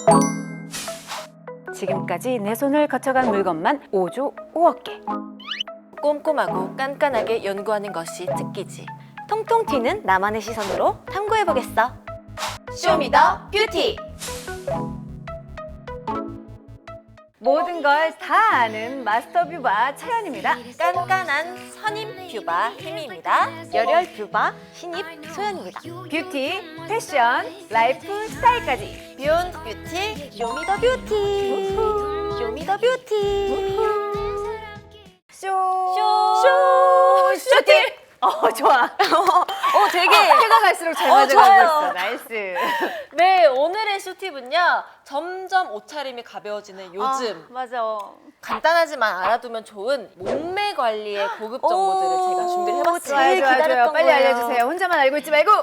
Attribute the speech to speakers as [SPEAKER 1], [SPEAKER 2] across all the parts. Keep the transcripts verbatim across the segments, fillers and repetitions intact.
[SPEAKER 1] 지금까지 내 손을 거쳐간 물건만 오조 오억 개.
[SPEAKER 2] 꼼꼼하고 깐깐하게 연구하는 것이 특기지.
[SPEAKER 3] 통통 튀는 나만의 시선으로 탐구해보겠어.
[SPEAKER 2] 쇼미더 뷰티!
[SPEAKER 1] 모든 걸 다 아는 마스터 뷰바 차연입니다.
[SPEAKER 2] 깐깐한 선임 뷰바 혜미입니다.
[SPEAKER 3] 열혈 뷰바 신입 소연입니다.
[SPEAKER 1] 뷰티, 패션, 라이프 스타일까지.
[SPEAKER 2] 비욘드 뷰티
[SPEAKER 3] 쇼미더 뷰티. 쇼미더 뷰티.
[SPEAKER 1] 쇼!
[SPEAKER 2] 쇼!
[SPEAKER 1] 쇼티! 어, 좋아.
[SPEAKER 3] 어, 되게
[SPEAKER 1] 해가 갈수록 잘
[SPEAKER 2] 어,
[SPEAKER 1] 맞아가고
[SPEAKER 2] 좋아요.
[SPEAKER 1] 있어. 나이스.
[SPEAKER 2] 네, 오늘의 쇼팁은요. 점점 옷차림이 가벼워지는 요즘
[SPEAKER 3] 아, 맞아.
[SPEAKER 2] 간단하지만 알아두면 좋은 몸매 관리의 고급 정보들을
[SPEAKER 3] 오,
[SPEAKER 2] 제가 준비를 해봤어요.
[SPEAKER 1] 좋아요,
[SPEAKER 3] 제일
[SPEAKER 1] 좋아요, 좋아요.
[SPEAKER 3] 기다렸던
[SPEAKER 1] 빨리
[SPEAKER 3] 거예요.
[SPEAKER 1] 알려주세요. 혼자만 알고 있지 말고.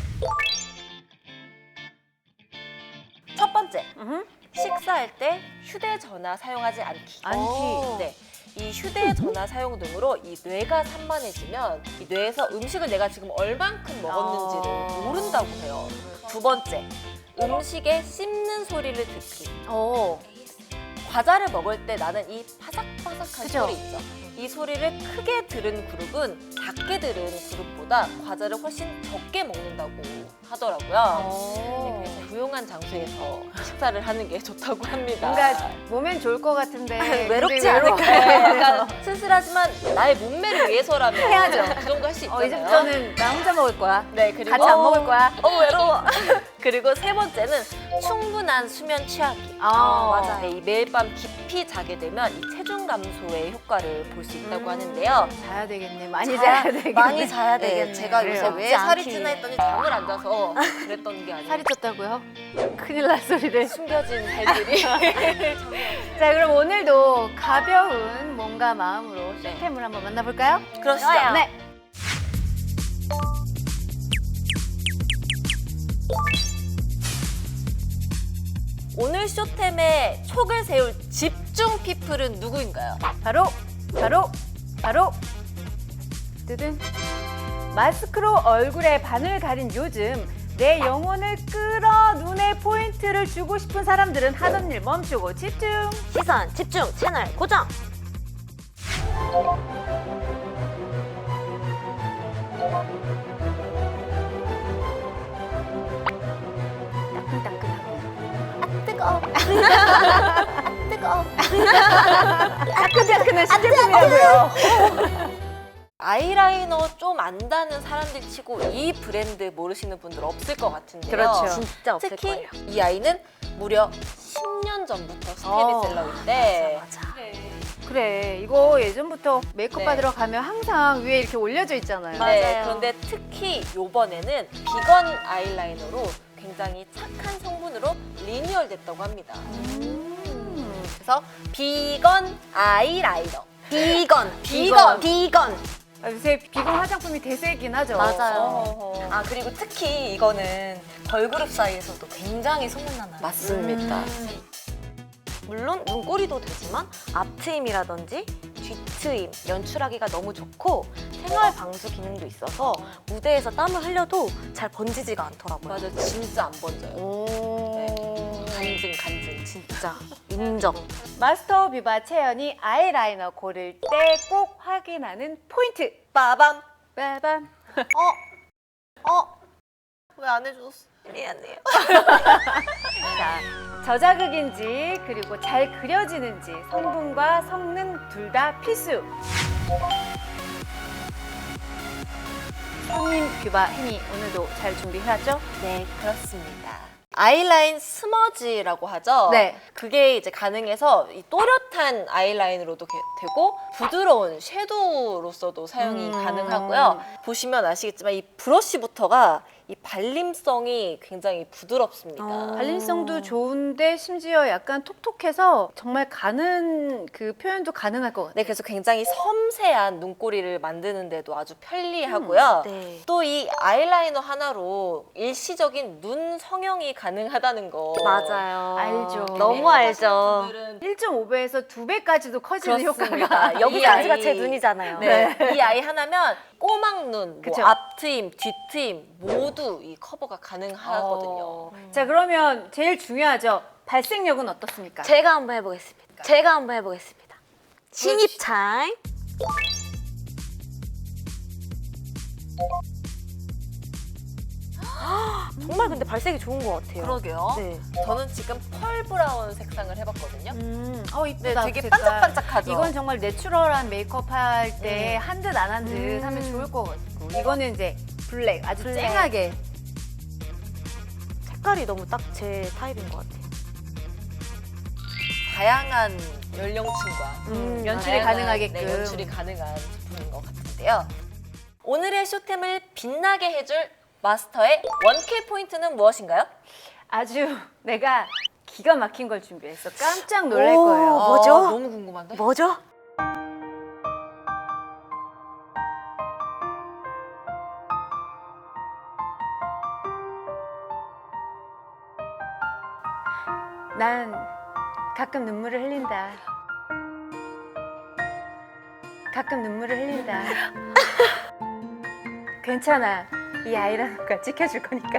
[SPEAKER 2] 첫 번째,
[SPEAKER 1] 으흠.
[SPEAKER 2] 식사할 때 휴대전화 사용하지 않기.
[SPEAKER 1] 않기.
[SPEAKER 2] 네. 이 휴대전화 사용 등으로 이 뇌가 산만해지면 이 뇌에서 음식을 내가 지금 얼만큼 먹었는지를
[SPEAKER 1] 어.
[SPEAKER 2] 모른다고 해요. 두 번째, 음식에 씹는 소리를 듣기.
[SPEAKER 3] 어.
[SPEAKER 2] 과자를 먹을 때 나는 이 바삭바삭한
[SPEAKER 1] 그죠?
[SPEAKER 2] 소리 있죠. 이 소리를 크게 들은 그룹은 작게 들은 그룹보다 과자를 훨씬 적게 먹는다고 하더라고요.
[SPEAKER 1] 어.
[SPEAKER 2] 네, 그래서 조용한 장소에서 식사를 하는 게 좋다고 합니다.
[SPEAKER 1] 뭔가 몸엔 좋을 것 같은데
[SPEAKER 3] 외롭지
[SPEAKER 1] 근데 외로워.
[SPEAKER 3] 않을까요?
[SPEAKER 2] 약간 쓸쓸하지만 나의 몸매를 위해서라면
[SPEAKER 1] 해야죠.
[SPEAKER 2] 그 정도 할 수 있잖아요.
[SPEAKER 1] 어, 이제부터는 나 혼자 먹을 거야.
[SPEAKER 2] 네, 그리고
[SPEAKER 1] 같이 안 먹을 거야.
[SPEAKER 2] 어, 외로워. 그리고 세 번째는 충분한 수면 취하기.
[SPEAKER 1] 아,
[SPEAKER 2] 맞아요. 네, 이 매일 밤 깊이 자게 되면 이 체중 감소의 효과를 볼 수 있다고 하는데요.
[SPEAKER 1] 자야 되겠네. 많이
[SPEAKER 2] 자야-
[SPEAKER 1] 자야 되겠네.
[SPEAKER 3] 많이 자야
[SPEAKER 2] 네,
[SPEAKER 3] 되겠네.
[SPEAKER 2] 제가 요새
[SPEAKER 1] 그래요.
[SPEAKER 2] 왜
[SPEAKER 3] 먹지
[SPEAKER 2] 살이
[SPEAKER 3] 않기
[SPEAKER 2] 찌나
[SPEAKER 3] 위해.
[SPEAKER 2] 했더니 잠을 안 자서 그랬던 게 아니에요.
[SPEAKER 1] 살이 쪘다고요? 큰일 날 소리를.
[SPEAKER 2] 숨겨진 살들이.
[SPEAKER 1] 자, 그럼 오늘도 가벼운 몸과 마음으로 쇼템을 한번 만나볼까요?
[SPEAKER 2] 그러시죠.
[SPEAKER 3] 좋아요.
[SPEAKER 1] 네.
[SPEAKER 2] 오늘 쇼템에 촉을 세울 집중 피플은 누구인가요?
[SPEAKER 1] 바로 바로 바로 뜨든 마스크로 얼굴에 반을 가린 요즘 내 영혼을 끌어 눈에 포인트를 주고 싶은 사람들은 하던 일 멈추고 집중.
[SPEAKER 3] 시선 집중 채널 고정.
[SPEAKER 1] 따끈따끈하고
[SPEAKER 3] 뜨거. 뜨거.
[SPEAKER 1] 따끈따끈한 시제품이라고요.
[SPEAKER 2] 아이라이너 좀 안다는 사람들 치고 이 브랜드 모르시는 분들 없을 것 같은데요.
[SPEAKER 1] 그렇죠.
[SPEAKER 3] 진짜 없을
[SPEAKER 2] 특히
[SPEAKER 3] 거예요.
[SPEAKER 2] 이 아이는 무려 십 년 전부터
[SPEAKER 1] 어,
[SPEAKER 2] 스테디셀러인데
[SPEAKER 3] 맞아.
[SPEAKER 1] 그래, 이거 예전부터 메이크업
[SPEAKER 2] 네.
[SPEAKER 1] 받으러 가면 항상 위에 이렇게 올려져 있잖아요.
[SPEAKER 3] 맞아요.
[SPEAKER 2] 네, 그런데 특히 요번에는 비건 아이라이너로 굉장히 착한 성분으로 리뉴얼 됐다고 합니다.
[SPEAKER 1] 음.
[SPEAKER 2] 그래서 비건 아이라이너.
[SPEAKER 3] 비건.
[SPEAKER 2] 비건.
[SPEAKER 3] 비건.
[SPEAKER 1] 아, 요새 비건 화장품이 대세이긴 하죠.
[SPEAKER 3] 맞아요.
[SPEAKER 2] 어허허.
[SPEAKER 4] 아 그리고 특히 이거는 걸그룹 사이에서도 굉장히 소문나나요?
[SPEAKER 2] 맞습니다.
[SPEAKER 3] 음. 물론 눈꼬리도 되지만 앞트임이라든지 뒤트임 연출하기가 너무 좋고 생활 방수 기능도 있어서 무대에서 땀을 흘려도 잘 번지지가 않더라고요.
[SPEAKER 2] 맞아, 진짜 안 번져요.
[SPEAKER 1] 오.
[SPEAKER 2] 간증, 간증.
[SPEAKER 3] 진짜 인정.
[SPEAKER 1] 마스터 뷰바 채연이 아이라이너 고를 때 꼭 확인하는 포인트.
[SPEAKER 2] 빠밤.
[SPEAKER 1] 빠밤.
[SPEAKER 2] 어? 어? 왜 안 해줬어?
[SPEAKER 3] 미안해요.
[SPEAKER 1] 자, 저자극인지 그리고 잘 그려지는지 성분과 성능 둘 다 필수. 손님 뷰바 혜미 오늘도 잘 준비해왔죠?
[SPEAKER 2] 네, 그렇습니다. 아이라인 스머지라고 하죠?
[SPEAKER 1] 네.
[SPEAKER 2] 그게 이제 가능해서 이 또렷한 아이라인으로도 게- 되고 부드러운 섀도우로서도 사용이
[SPEAKER 1] 음.
[SPEAKER 2] 가능하고요. 보시면 아시겠지만 이 브러쉬부터가 이 발림성이 굉장히 부드럽습니다.
[SPEAKER 3] 어.
[SPEAKER 1] 발림성도 좋은데 심지어 약간 톡톡해서 정말 가는 그 표현도 가능할 것 같아요.
[SPEAKER 2] 네, 그래서 굉장히 섬세한 눈꼬리를 만드는데도 아주 편리하고요.
[SPEAKER 3] 네.
[SPEAKER 2] 또 이 아이라이너 하나로 일시적인 눈 성형이 가능하다는 거.
[SPEAKER 3] 맞아요.
[SPEAKER 1] 알죠.
[SPEAKER 3] 너무 알죠.
[SPEAKER 2] 분들은
[SPEAKER 1] 일 점 오 배에서 두 배까지도 커지는
[SPEAKER 2] 그렇습니다.
[SPEAKER 1] 효과가.
[SPEAKER 2] 이
[SPEAKER 3] 여기까지가
[SPEAKER 2] 아이-
[SPEAKER 3] 제 눈이잖아요.
[SPEAKER 2] 네. 이 아이 하나면 꼬막 눈, 뭐
[SPEAKER 1] 그쵸.
[SPEAKER 2] 앞트임, 뒤트임 모두 이 커버가 가능하거든요.
[SPEAKER 1] 어. 자, 그러면 제일 중요하죠. 발색력은 어떻습니까?
[SPEAKER 3] 제가 한번 해보겠습니다. 제가 한번 해보겠습니다. 신입 타임. 정말 근데 발색이 좋은 것 같아요.
[SPEAKER 2] 그러게요.
[SPEAKER 3] 네.
[SPEAKER 2] 저는 지금 펄 브라운 색상을 해봤거든요.
[SPEAKER 1] 음, 어
[SPEAKER 2] 네,
[SPEAKER 1] 이쁘다.
[SPEAKER 2] 되게
[SPEAKER 1] 그 색깔.
[SPEAKER 2] 반짝반짝하죠.
[SPEAKER 1] 이건 정말 내추럴한 메이크업 할 때 한 듯 안 한 듯
[SPEAKER 3] 음.
[SPEAKER 1] 하면 좋을 것 같고 이거는 이제 블랙 아주
[SPEAKER 3] 블랙.
[SPEAKER 1] 쨍하게.
[SPEAKER 3] 색깔이 너무 딱 제 타입인 것 같아요.
[SPEAKER 2] 다양한 연령층과
[SPEAKER 1] 음,
[SPEAKER 3] 음,
[SPEAKER 1] 연출이
[SPEAKER 2] 다양한,
[SPEAKER 1] 가능하게끔.
[SPEAKER 2] 네, 연출이 가능한 제품인 것 같은데요. 오늘의 쇼템을 빛나게 해줄 마스터의 원킬 포인트는 무엇인가요?
[SPEAKER 1] 아주 내가 기가 막힌 걸 준비했어. 깜짝 놀랄
[SPEAKER 3] 오.
[SPEAKER 1] 거예요.
[SPEAKER 3] 뭐죠?
[SPEAKER 2] 어, 너무 궁금한데?
[SPEAKER 3] 뭐죠?
[SPEAKER 1] 난 가끔 눈물을 흘린다. 가끔 눈물을 흘린다. 괜찮아. 이 아이라는 걸 지켜줄 거니까.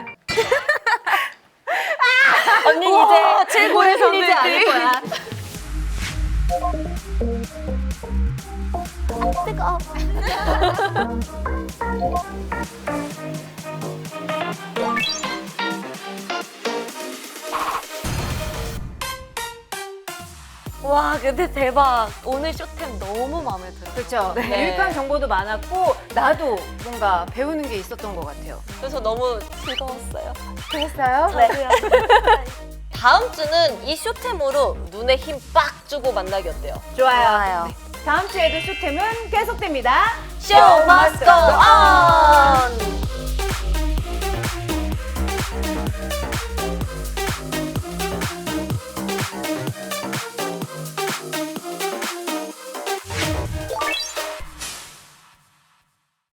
[SPEAKER 2] 언니 이제 최고의 흘리지 않을 거야.
[SPEAKER 3] 뜨거워. 와 근데 대박. 오늘 쇼템 너무 마음에 들어요.
[SPEAKER 1] 그렇죠.
[SPEAKER 2] 네.
[SPEAKER 1] 유익한 정보도 많았고 나도 뭔가 배우는 게 있었던 것 같아요.
[SPEAKER 2] 그래서 너무 즐거웠어요.
[SPEAKER 1] 그랬어요?
[SPEAKER 3] 저도요.
[SPEAKER 2] 다음 주는 이 쇼템으로 눈에 힘 빡 주고 만나기 어때요?
[SPEAKER 1] 좋아요.
[SPEAKER 3] 좋아요.
[SPEAKER 1] 다음 주에도 쇼템은 계속됩니다.
[SPEAKER 2] 쇼 must go on!